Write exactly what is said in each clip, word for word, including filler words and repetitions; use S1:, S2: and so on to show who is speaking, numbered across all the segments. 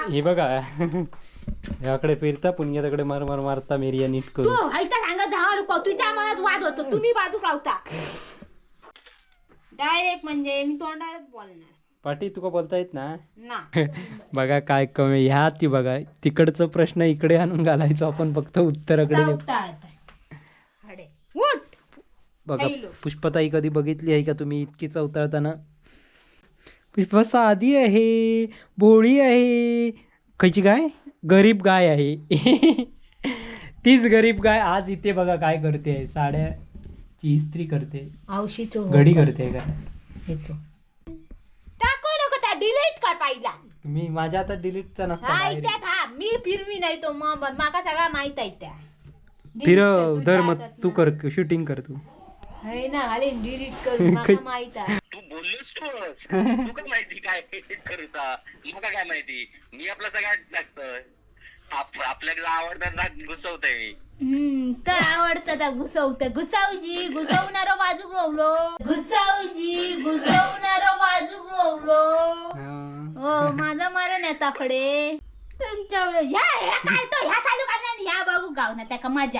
S1: हे बघा याकडे फिरता पुण्याकडे मार मार मारता मेरिया नीट करू.
S2: तू हायता सांगा धावा नको तुझ्या मनात वाद होतो तुम्ही बाजू लावता डायरेक्ट म्हणजे मी तोंडावरच बोलणार
S1: पाटी तुका बोलता येत ना
S2: ना
S1: बघा काय कमी ह्या ती बघा तिकडचा प्रश्न इकडे आणून घालायचो आपण फक्त उत्तराकडे देऊ.
S2: अडे उठ
S1: बघा
S2: हॅलो.
S1: पुष्पताई कधी बघितली आहे का तुम्ही इतकी चवताळताना? पुष्पा साधी आहे भोळी आहे खयची गाय गरीब गाय आहे तीच गरीब गाय आज इथे बघा काय करते साड्याची इस्त्री करते
S2: औशीचो
S1: घडी करते का
S2: टाको नको त्या डिलीट कर पाहिला
S1: मी माझ्या आता डिलीटचा नसता
S2: हा
S1: बाहेर.
S2: इत्यात हा मी फिरवी नाही तो मग माका सगळा माहित आहे त्या
S1: फिरव दर मग तू कर शूटिंग कर तू
S2: है ना अरे डिलीट कर माका माहित आहे
S3: तू बोललोस तूच तू काय माहिती काय करूचा मला काय माहिती मी आपला सगळ्यात लागतोय आपल्याला आवडतात ना घुसवतोय मी
S2: हम्म तर आवडतं त्या घुसवतं घुसावजी घुसवणारो बाजूक रोवलो घुसावजी घुसवणारो बाजूक रोवलो हो माझा मरण येताकडे तुमच्यावर ह्या ह्या काढतो ह्या चालू करणार ह्या बघू गाव ना त्याका मजा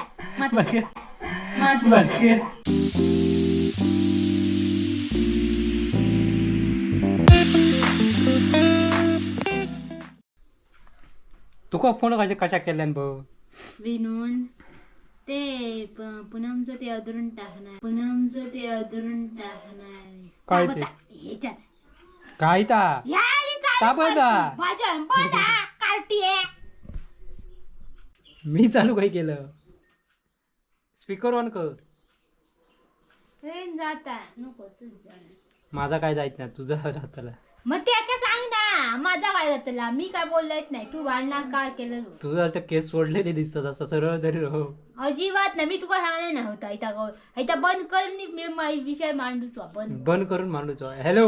S1: तुका फोन कशा कशा केल्यान भाऊ
S2: विनून ते प- पूनमचं ते अधरून टाकणार पूनमचं ते अधरून टाकणार
S1: काय
S2: हा
S1: ते?
S2: बघा, ह्याच्यात
S1: काय ता
S2: या हे चालू
S1: का बघा?
S2: कर. भजन बघा कार्टी आहे
S1: मी चालू काय केलं स्पीकर ऑन कर
S2: ट्रेन जाता नको तुझा
S1: माझा काय जायत नाही तुझा राहतला
S2: मग ते आता सांग ना माझा काय जातला मी काय बोललेच नाही तू भांडणार काय केलं नो?
S1: तुझं असं केस सोडलेले दिसतात असं सरळ तरी राहू
S2: अजिबात नाही मी तुका सांगले ना होता इथं गो इथं बंद कर नी मी मा- विषय मांडूच आपण
S1: बंद करून मांडूचो हॅलो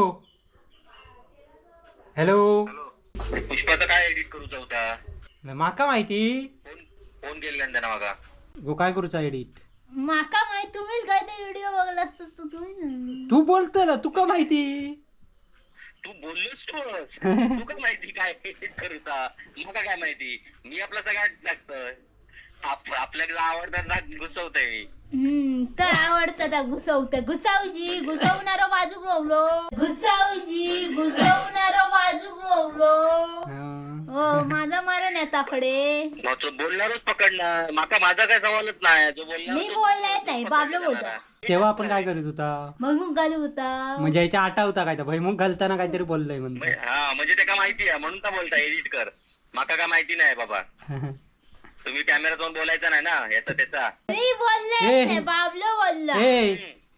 S1: हॅलो
S3: पुष्पाचं काय एडिट करूचा होता
S1: माका माहिती
S3: फोन फोन केलेला त्यांना मागा
S1: गो काय करूचा एडिट
S2: माका माहिती तुम्हीच काय ते व्हिडिओ बघला असतस तू तुम्ही ना
S1: तू बोलतो ना तुका माहिती
S3: तू बोललोस तूच तू काय माहिती काय एडिट करूचा मला काय माहिती मी आपला सगळ्यात लागतोय आपल्याला आवडतात ना घुसवतोय मी
S2: हम्म तर आवडतं त्या घुसवतं घुसावजी घुसवणारो बाजूक रोवलो घुसावजी घुसवणारो बाजूक रोवलो हो माझा मरण येताकडे
S3: मग तो बोलणारच पकडणार माका माझा काय सवालच नाही जो बोलणार
S2: मी बोलले नाही बाबलो बोलतो
S1: तेव्हा आपण काय करीत होता
S2: मग मग घालू होता
S1: म्हणजे याच्या आटा होता काय भैमुख घालताना काहीतरी बोललंय म्हणतो
S3: हा म्हणजे ते काय माहिती आहे म्हणून तर बोलता एडिट कर माका काय माहिती नाही बाबा तुम्ही कॅमेरा जाऊन बोलायचा नाही ना याचा त्याचा
S2: मी बोलले
S1: ए.
S2: नाही बाबलो बोलला
S1: ए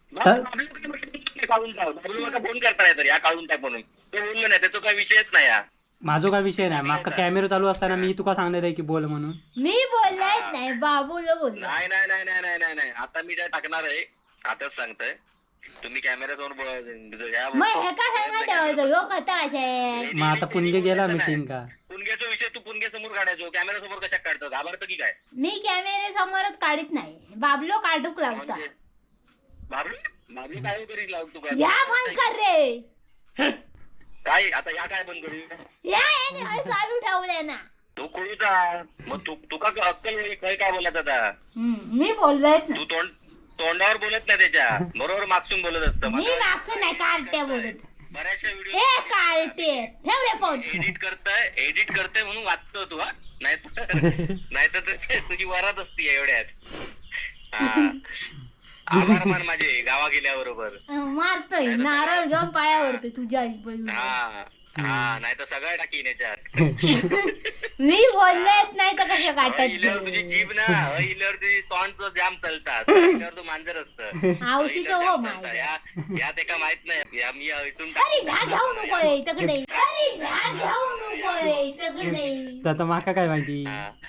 S3: काढून टाक बाबू माका फोन करता नाही तर या काढून टाक म्हणून तो बोललो नाही त्याचा काही विषयच नाही या
S1: माझा काय विषय नाही माका कॅमेरा चालू असताना मी तुका सांगणार आहे की बोल म्हणून
S2: मी बोललेच नाही बाबूला बोलला
S3: नाही नाही नाही नाही नाही नाही नाही आता मी काय टाकणार आहे आताच सांगतोय तुम्ही कॅमेरा जाऊन बोल- या-
S2: मग हे का सांगा ठेवायचं ह्यो कथा असे
S1: मग आता पुणगे गेला मीटिंग का
S3: पुणग्याचा विषय तू पुणग्या समोर काढायचो कॅमेरा समोर कशा काढतो घाबरतो की काय
S2: मी कॅमेरे समोरच काढत नाही बाबलो काढूक लावता
S3: म्हणजे बाबू बाबू काय करी लावतो का
S2: या बंद कर रे
S3: काय आता या काय बंद करू
S2: या याने हे चालू ठेवले ना
S3: तू कळूचा मग तू तुका अक्कल काय काय बोलत आता
S2: हम्म, मी बोललोच
S3: तू
S2: नाही
S3: तोंड तोंडावर बोलत नाही त्याच्या बरोबर मागसून बोलत असतं
S2: मी मागचं नाही कार्ट्या बोलत
S3: बऱ्याचशा
S2: ए
S3: व्हिडिओ
S2: कार्टे ठेव रे फोन
S3: एडिट करताय एडिट करताय म्हणून वाचतो तू हा नाहीतर नाहीतर तर तुझी वरात असती एवढ्यात हा आभार मान माझे गावा गेल्याबरोबर
S2: मारतोय नारळ घेऊन पायावरतोय तुझ्या आईबाजूला.
S3: हा हा नाही तर सगळं टाकीन याच्यात
S2: मी बोललेच नाही तर कसं
S3: इल्यावर तुझी
S2: काटायचं
S3: जीभ ना इल्यावर तुझी तोंडचं जाम चालतात इल्यावर तू मांजर असतं
S2: आवशीचं हो माझं.
S3: या यात एका माहित नाही या मी इथून
S2: अरे झा घेऊ नको रे इकडे अरे झा घेऊ नको रे इकडे
S1: तर आता माका काय माहिती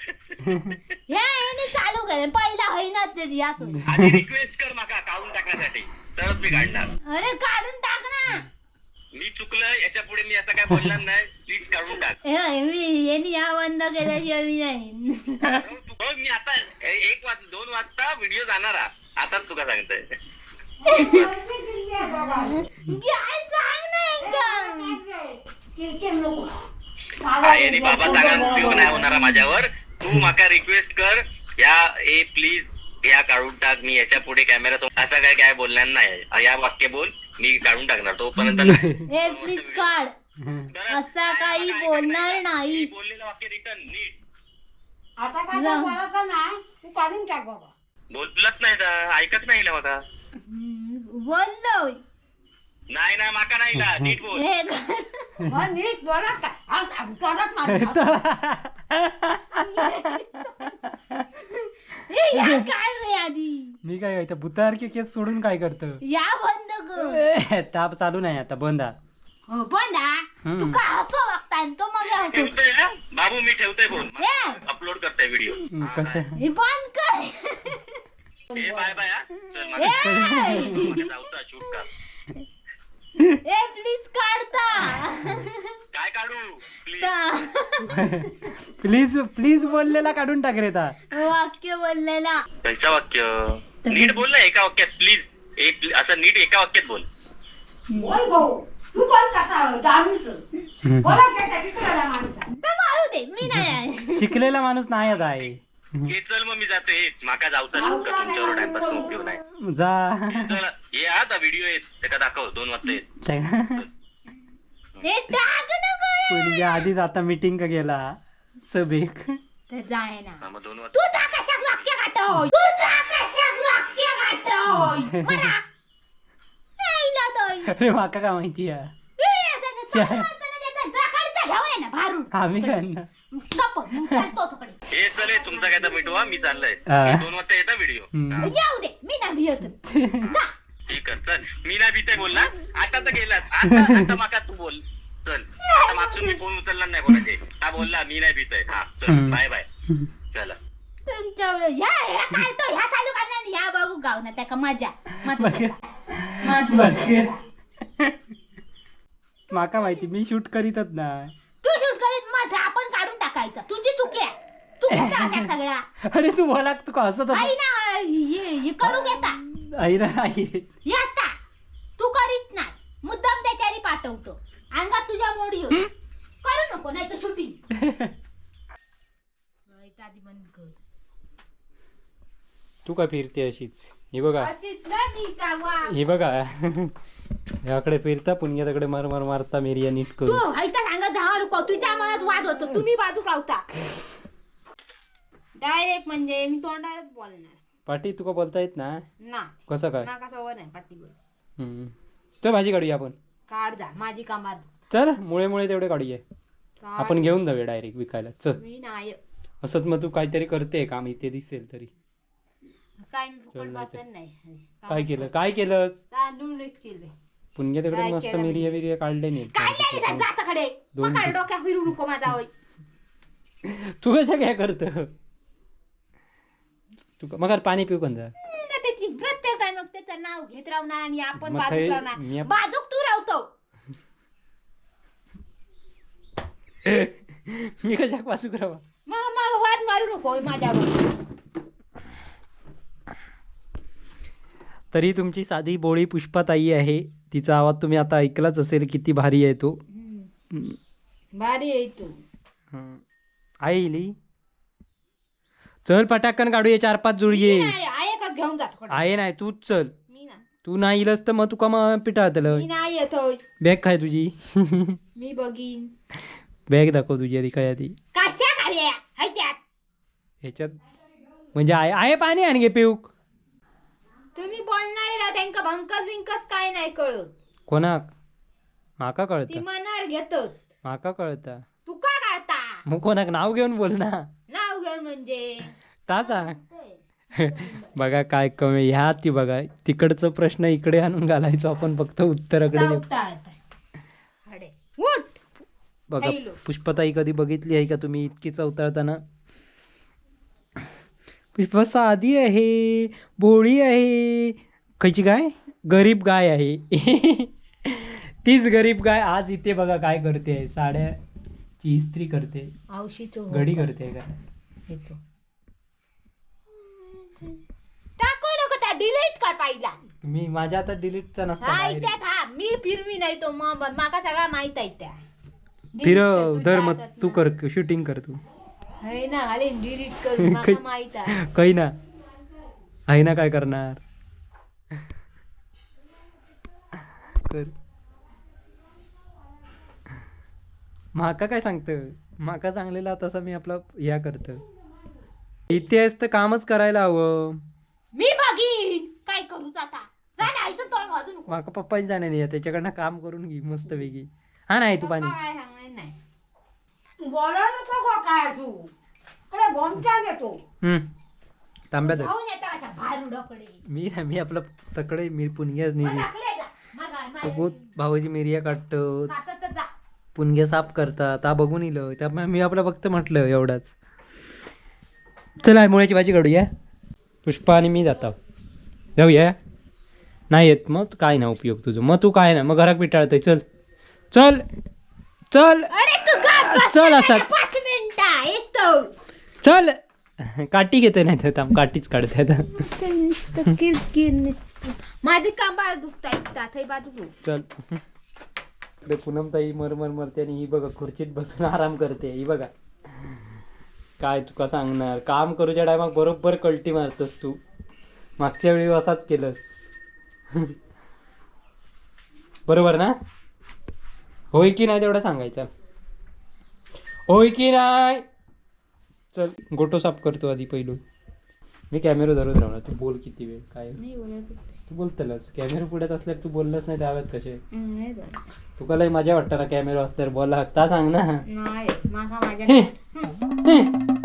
S2: ह्या याने चालू कर पहिला होईनाच तरी यातून
S3: आधी रिक्वेस्ट कर माका काढून टाकण्यासाठी तरच मी काढणार
S2: अरे काढून टाक ना
S3: मी चुकलं याच्या पुढे मी असं काय बोलणार नाही प्लीज काढून टाक
S2: हे मी यांनी या बंद केल्याशिवाय मी नाही
S3: तू बघ मी आता एक वाज दोन वाजता व्हिडिओ जाणार हा. आताच तुका सांगतोय
S2: काय सांग ना एकदम
S3: आई आणि बाबा सांगा उपयोग नाही होणारा माझ्यावर. तू माका रिक्वेस्ट कर या ए प्लीज या काढून टाक, मी याच्या पुढे कॅमेरा असं काय काय बोलणार नाही. या वाक्य बोल, मी काढून टाकणार तोपर्यंत नाही.
S2: हे प्लीज काढ, असं काही बोलणार नाही.
S3: बोललेलं वाक्य रिटर्न नीट
S4: आता काय बोलायचं नाही, तू काढून टाक बाबा.
S3: बोलत नाही तर ऐकत नाही ना मला.
S2: बोललोय
S3: नाही ना माका नाही ना, नीट बोल.
S2: हे काढ.
S4: मग नीट बोला काय आ, आ, तोंडात मारून.
S2: हे या काढ रे आधी.
S1: मी काय काय भूतासारखे केस सोडून काय करत?
S2: या बंद कर.
S1: ताप चालू नाही आता, बंद हा.
S2: हो बंद हा.
S1: हम्म.
S2: तू का हसो वागताय तो मग हसो.
S3: ठेवतोय हा? बाबू मी ठेवतोय फोन,
S2: हे
S3: अपलोड करतोय व्हिडिओ.
S1: हम्म, कसं
S2: हे बंद कर.
S3: ए बाय बाय हा. चल
S2: ए
S3: मला जाऊचा शूट कर.
S2: ए प्लीज काढता.
S3: काय काढू प्लीज?
S1: प्लीज प्लीज बोललेला काढून टाक रे ता.
S2: वाक्य बोललेला.
S3: कैसा वाक्य? नीट बोल ना एका वाक्यात प्लीज. एक असं नीट एका वाक्यात बोल.
S4: बोल भाऊ, तू बोल कसा दारूच बोला काय तिकडे माणसा.
S2: तर मारू दे, मी नाही.
S1: शिकलेला माणूस नाही आता आहे.
S3: हे चल मग मी जातो. हे माका जाऊचा शूट कर, तुमच्यावर टाइमपास उपयोग नाही.
S1: जा.
S3: चल ये आता व्हिडिओ येत त्याला दाखव, दोन वाजता येत.
S2: हे टाक नको.
S1: पुढे आधीच आता मीटिंग का गेला सभेक.
S2: तर जाय ना.
S3: हा, मग दोन वाजता
S2: तू जा कशाक वाक्य काढतोय. तू जा कशाक वाक्य काढतोय. मरा. नाही ना दोय.
S1: अरे माका काय माहिती आहे. आम्ही काय ना.
S3: हे चल हे तुमचा काय तर मिटवा, मी चाललंय.
S1: हा.
S3: दोन वाजता येता व्हिडिओ.
S1: हम्म.
S2: जाऊ दे, मी नाही भियत. जा.
S3: ठीक आहे चल. मी नाही भीतय बोल ना. आता तर गेलास. आता आता माका तू बोल. चल आता मागसून मी फोन उचलणार नाही कोणाचे. हा बोलला मी नाही भीतय. हा चल
S1: हम्म.
S3: Bye bye. चला
S2: तुमच्यावर ह्या ह्या काढतो, ह्या चालू करणार, ह्या बघू गाव ना त्याका मजा. मत-
S1: बघ. माका माहिती, मी शूट करीतच ना.
S2: तू शूट करीत मग आपण काढून टाकायचं. तुझी चुकी आहे. तू कुठं अशा सगळा
S1: अरे तू बोला, तू का हसत
S2: आई ना हे हे करू घेता.
S1: आई ना आई.
S2: येता तू करीत नाही, मुद्दाम त्याच्यारी पाठवतो. अंगात तुझ्या मोडी होती. करू नको नाही तर शूटिंग. आधी बंद कर.
S1: तू काय फिरते अशीच? हे बघा,
S2: अशीच ना मी का वा.
S1: हे बघा. याकडे फिरता पुण्याकडे मार मार मारता मेरिया नीट
S2: तू
S1: करू.
S2: हायता सांगत जावा नको. तुझ्या मनात वाद होतो, तुम्ही बाजू लावता. डायरेक्ट म्हणजे मी तोंडावरच बोलणार.
S1: पाटी तुका बोलता येत ना?
S2: ना
S1: कसं काय?
S2: नाका सवय नाही पाटी बोल.
S1: हम्म. चल भाजी काढूया आपण.
S2: काढ जा माझी कामात.
S1: चल मुळे मुळे तेवढे काढूया.
S2: काढ.
S1: आपण घेऊन जाऊया डायरेक्ट विकायला. चल.
S2: मी नाही
S1: असंच मग तू काहीतरी करते काम इथे दिसेल तरी.
S2: काय मी फुकट
S1: चल,
S2: बसत नाही.
S1: काय केलं? काय केलंस?
S2: तांदूळ नीट केले.
S1: पुण्या तिकडे
S2: काय
S1: मस्त
S2: केलं
S1: मिरिया बिरिया काढले नाही.
S2: काढले नाही जाताकडे.
S1: दोन-
S2: मग डोक्यात फिरू नको माझा होय.
S1: तू कशा काय करत? तू मग पाणी पिऊ कोण जा.
S2: ना त्याची प्रत्येक टाइम त्याचं नाव घेत राहणार आणि आपण
S1: मग
S2: बाजूक
S1: काही-
S2: राहणार.
S1: मी-
S2: बाजूक तू राहतो.
S1: मी कशा वाचू करावा?
S2: मग मग वाद मारू नको होय माझ्यावर.
S1: तरी तुमची साधी बोळी पुष्पाताई आहे. तिचा आवाज तुम्ही आता ऐकलाच असेल, किती भारी आहे तो.
S2: भारी आहे तू.
S1: हं. आईली चल पटाकन काढूया चार पाच जुळये.
S2: आहे एकच घेऊन जातो.
S1: आहे नाही तूच चल.
S2: मी ना
S1: तू नाही इलस तर मग तुका मग पिटाळतलं.
S2: मी नाही येतोय.
S1: बॅग काय तुझी?
S2: मी बघीन.
S1: बॅग दाखव तुझी आधी काय आधी.
S2: कशा खाव्या हाय त्यात.
S1: ह्याच्यात म्हणजे आहे आहे पाणी आणि घे पिऊक.
S2: तुम्ही बोलणारे ना त्यांका भंकस बिंकस काय नाही कळत.
S1: कोणाक? माका
S2: ती
S1: कळतं.
S2: मनावर घेतात.
S1: माका कळतं.
S2: तू का कळता.
S1: मग कोणाक नाव घेऊन बोल ना.
S2: नाव घेऊन म्हणजे
S1: ता सांग. बघा काय कमी ह्या ती बघा तिकडचं प्रश्न इकडे आणून घालायचो आपण फक्त उत्तराकडे नेऊ.
S2: हडे उठ.
S1: बघा
S2: हॅलो.
S1: पुष्पताई कधी बघितली आहे का तुम्ही इतकी चवताळताना? पुष्पा साधी आहे, भोळी आहे. खयची गाय? गरीब गाय आहे. तीच गरीब गाय आज इथे बघा काय करते. साड्याची इस्त्री करते,
S2: औशीचो
S1: घडी करते काय.
S2: हेचो टाको नको त्या डिलीट कर पाहिला.
S1: मी माझ्या आता डिलीटचा नसता
S2: हा
S1: direct.
S2: त्यात हा मी फिरवी नाही तो मग माका सगळा माहित आहे त्या.
S1: फिरव धर मग तू कर शूटिंग कर तू
S2: है ना अरे डिलीट करू मला माहित आहे
S1: काही ना आहे ना काय करणार कर माका काय सांगतं माका सांगलेला तसा मी आपला ह्या करत इथे तर कामच करायला हवं
S2: मी बघीन काय करू आता जा ना आयुष्य तोंड वाजू नको
S1: माका पप्पाच जाणे नाही त्याच्याकडनं काम करून घे मस्त वेगळी हा नाही तू पाणी
S2: काय सांगणार नाही
S4: बोला नको गो काय तू अरे बॉम्बचा घेतो
S1: हम्म तांब्या धर
S2: खाऊन येता अशा भारुडाकडे
S1: मी ना मी आपला तकडे मी पुणग्याच
S2: मग
S1: नेली
S2: टाकले जा मग काय, मग
S1: खूप भाऊजी मिरिया काढतो
S2: काटत तर जा
S1: पुणग्या साफ करतात ता बघून इलं त्यामुळे मी आपलं फक्त म्हटलं एवढाच चला मुळ्याची भाजी काढूया पुष्पा आणि मी जातो जाऊया नाही येत मग काय ना उपयोग तुझं मग तू काय ना मग घरात पिटाळतंय चल चल चल
S2: अरे तू गप बस
S1: चल
S2: ना
S1: असा
S2: पाच मिनिटं येतो
S1: चल काठी घेते नाही तर थांब काठीच काढते आता
S2: नुसतं किरकिर नुसतं. माझे कांबार दुखतायत ताथई बाजू
S1: चल इकडे पूनमताई मरमर मरते आणि ही बघा खुर्चीत बसून आराम करते ही बघा काय तुका सांगणार काम करूच्या टायमाक बरोबर कल्टी मारतस तू मागच्या वेळी असाच केलंस बरोबर ना होय की नाही तेवढं सांगायचं होय की नाही चल गोटो साफ करतो आधी पहिलं मी कॅमेरा धरत राहणार तू बोल किती वेळ काय
S2: नाही बोलत
S1: तू बोलतलस कॅमेरा पुढ्यात असल्यावर तू बोललंच नाही त्यावेळेस कसे
S2: नाही बोलत.
S1: तुका लय मजा वाटतं ना कॅमेरा असल्यावर बोला हक्ता सांग ना
S2: नाही माझा माझ्या
S1: हे, हे.